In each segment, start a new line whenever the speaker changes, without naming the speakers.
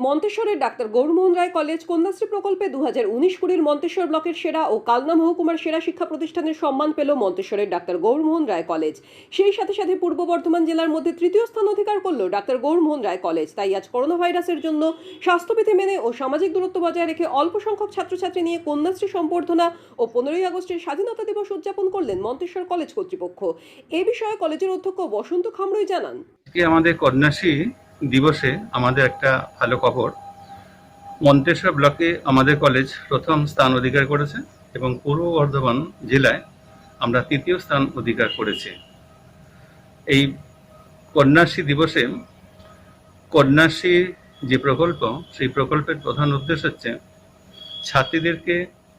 মন্তেশ্বরের doctor Gourmohan Roy college Kanyashree প্রকল্পে 2019-20 মন্তেশ্বর ব্লকের সেরা ও কালনা মহকুমার সেরা শিক্ষা প্রতিষ্ঠানের সম্মান পেল মন্তেশ্বরের ডাক্তার গৌরমোহন রায় কলেজ। সেই সাথে সাথে পূর্ব বর্ধমান জেলার মধ্যে তৃতীয় স্থান অধিকার করল ডাক্তার গৌরমোহন রায় কলেজ। তাই আজ করোনা ভাইরাসের জন্য স্বাস্থ্যবিধি মেনে ও সামাজিক দূরত্ব বজায় রেখে অল্প সংখ্যক ছাত্রছাত্রী নিয়ে কন্যাশ্রী সম্বর্ধনা ও 15ই আগস্টের স্বাধীনতা দিবস উদযাপন করলেন মন্তেশ্বর কলেজ কর্তৃপক্ষ। এ বিষয়ে কলেজের অধ্যক্ষ বসন্ত খামরুই জানান,
আমাদের কন্যাশ্রী দিবসে আমাদের একটা ভালো খবর, মন্তেশ্বর ব্লকে আমাদের কলেজ প্রথম স্থান অধিকার করেছে এবং পূর্ব বর্ধমান জেলায় আমরা তৃতীয় স্থান অধিকার করেছি। এই কন্যাশ্রী দিবসে কন্যাশ্রী যে প্রকল্প, সেই প্রকল্পের প্রধান উদ্দেশ্য হচ্ছে ছাত্রীদেরকে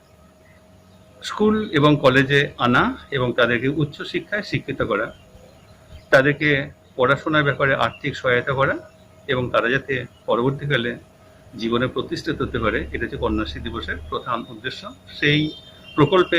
স্কুল এবং কলেজে আনা এবং তাদেরকে উচ্চশিক্ষায় শিক্ষিত করা, তাদেরকে পড়াশোনার ব্যাপারে আর্থিক সহায়তা করা এবং তারা যাতে পরবর্তীকালে জীবনে প্রতিষ্ঠিত হতে পারে, এটা হচ্ছে কন্যাশ্রী দিবসের প্রধান উদ্দেশ্য। সেই প্রকল্পে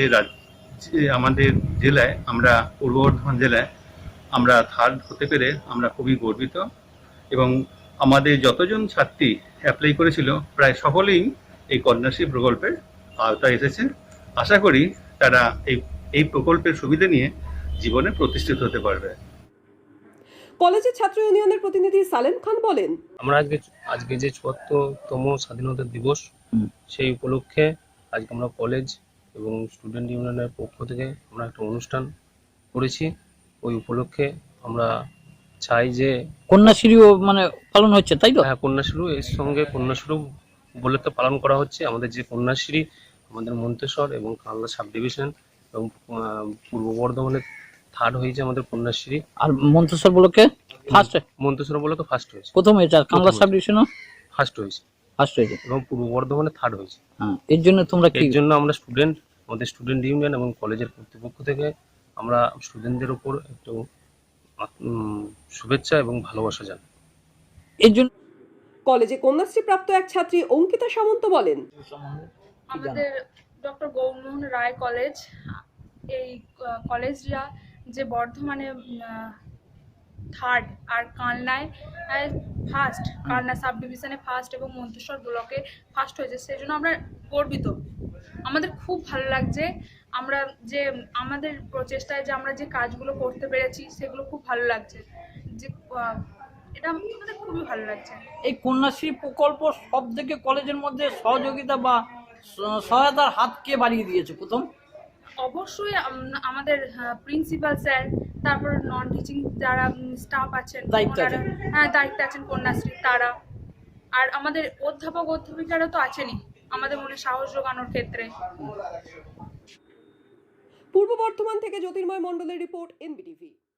আমাদের জেলায়, আমরা পূর্ব বর্ধমান জেলায় আমরা থার্ড হতে পেরে আমরা খুবই গর্বিত এবং আমাদের যতজন ছাত্রী অ্যাপ্লাই করেছিল প্রায় সকলেই এই কন্যাশ্রী প্রকল্পের আওতায় এসেছে। আশা করি তারা এই প্রকল্পের সুবিধা নিয়ে জীবনে প্রতিষ্ঠিত হতে পারবে।
কলেজের ছাত্র ইউনিয়নের প্রতিনিধি সালেম খান বলেন,
আমরা আজকে যে ৭৪তম স্বাধীনতা দিবস, সেই উপলক্ষে আজকে আমরা কলেজ এবং স্টুডেন্ট ইউনিয়নের পক্ষ থেকে আমরা একটা অনুষ্ঠান করেছি। ওই উপলক্ষে আমরা চাই যে
কন্যাশ্রীও পালন হচ্ছে, তাই তো?
হ্যাঁ, কন্যাশ্রী এর সঙ্গে কন্যাশ্রী বলে তো পালন করা হচ্ছে। আমাদের যে কন্যাশ্রী আমাদের মন্তেশ্বর এবং কালনা সাব ডিভিশন এবং পূর্ব বর্ধমানে থার্ড হয়েছে আমাদের কন্যাশ্রী।
আর মন্তেশ্বর ব্লকে ফার্স্ট,
মন্তেশ্বর ব্লকে ফার্স্ট হয়েছে,
প্রথম হয়েছে। আর কালনা সাব ডিভিশনও
ফার্স্ট হয়েছে এবং পূর্ব বর্ধমানে থার্ড হয়েছে।
এর জন্য
আমরা আমাদের স্টুডেন্ট ইউনিয়ন এবং কলেজের কর্তৃপক্ষ থেকে আমরা স্টুডেন্টদের উপর একটু শুভেচ্ছা এবং ভালোবাসা জানাই।
এর জন্য
কলেজে কন্যাশ্রী প্রাপ্ত এক ছাত্রী অঙ্কিতা সামন্ত বলেন,
আমাদের ডক্টর গৌরমোহন রায় কলেজ, এই কলেজটা যে বর্ধমানে থার্ড আর কালনায় ফার্স্ট, কালনা সাব ডিভিশনে ফার্স্ট এবং মন্তেশ্বর ব্লকে ফার্স্ট হয়েছে, সেই জন্য আমরা গর্বিত। আমাদের খুব ভালো লাগছে, আমরা যে আমাদের প্রচেষ্টায় যে আমরা যে কাজগুলো করতে পেরেছি সেগুলো খুব ভালো লাগছে, যে এটা আমাদের খুবই ভালো লাগছে।
এই কন্যাশ্রী প্রকল্প সব থেকে কলেজের মধ্যে সহযোগিতা বা সহায়তার হাত কে বাড়িয়ে দিয়েছে প্রথম?
অবশ্যই আমাদের প্রিন্সিপাল স্যার, তারপর নন টিচিং যারা স্টাফ আছেন, দায়িত্বে আছেন কন্যাশ্রী তারা, আর আমাদের অধ্যাপক অধ্যাপিকারা তো আছেনই আমাদের মনে সাহস জোগানোর ক্ষেত্রে।
পূর্ব বর্ধমান থেকে জ্যোতির্ময় মণ্ডলের রিপোর্ট, এনবিটিভি।